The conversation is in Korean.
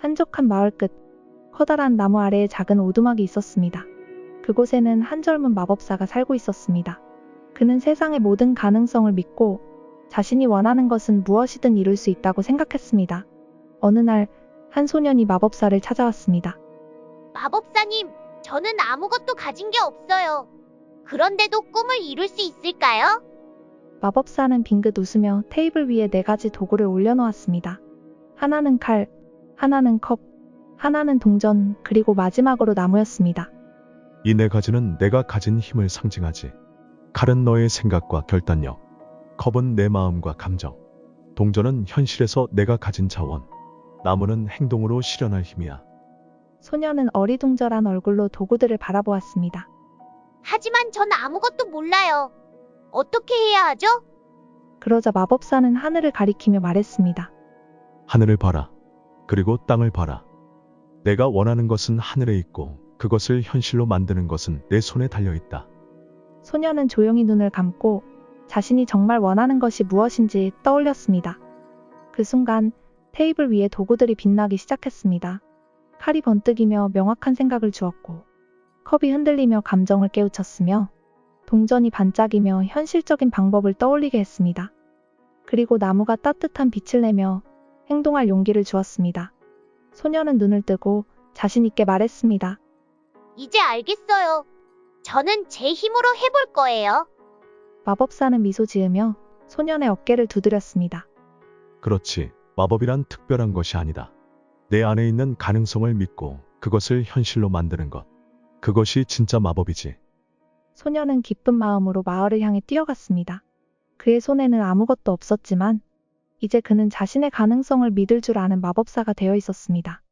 한적한 마을 끝, 커다란 나무 아래에 작은 오두막이 있었습니다. 그곳에는 한 젊은 마법사가 살고 있었습니다. 그는 세상의 모든 가능성을 믿고 자신이 원하는 것은 무엇이든 이룰 수 있다고 생각했습니다. 어느 날, 한 소년이 마법사를 찾아왔습니다. 마법사님, 저는 아무것도 가진 게 없어요. 그런데도 꿈을 이룰 수 있을까요? 마법사는 빙긋 웃으며 테이블 위에 4가지 도구를 올려놓았습니다. 하나는 칼, 하나는 컵, 하나는 동전, 그리고 마지막으로 나무였습니다. 이 4가지는 내가 가진 힘을 상징하지. 칼은 너의 생각과 결단력, 컵은 내 마음과 감정, 동전은 현실에서 내가 가진 자원, 나무는 행동으로 실현할 힘이야. 소녀는 어리둥절한 얼굴로 도구들을 바라보았습니다. 하지만 전 아무것도 몰라요. 어떻게 해야 하죠? 그러자 마법사는 하늘을 가리키며 말했습니다. 하늘을 봐라. 그리고 땅을 봐라. 내가 원하는 것은 하늘에 있고 그것을 현실로 만드는 것은 내 손에 달려있다. 소녀는 조용히 눈을 감고 자신이 정말 원하는 것이 무엇인지 떠올렸습니다. 그 순간 테이블 위에 도구들이 빛나기 시작했습니다. 칼이 번뜩이며 명확한 생각을 주었고, 컵이 흔들리며 감정을 깨우쳤으며, 동전이 반짝이며 현실적인 방법을 떠올리게 했습니다. 그리고 나무가 따뜻한 빛을 내며 행동할 용기를 주었습니다. 소녀는 눈을 뜨고 자신 있게 말했습니다. 이제 알겠어요. 저는 제 힘으로 해볼 거예요. 마법사는 미소 지으며 소년의 어깨를 두드렸습니다. 그렇지. 마법이란 특별한 것이 아니다. 내 안에 있는 가능성을 믿고 그것을 현실로 만드는 것. 그것이 진짜 마법이지. 소녀는 기쁜 마음으로 마을을 향해 뛰어갔습니다. 그의 손에는 아무것도 없었지만 이제 그는 자신의 가능성을 믿을 줄 아는 마법사가 되어 있었습니다.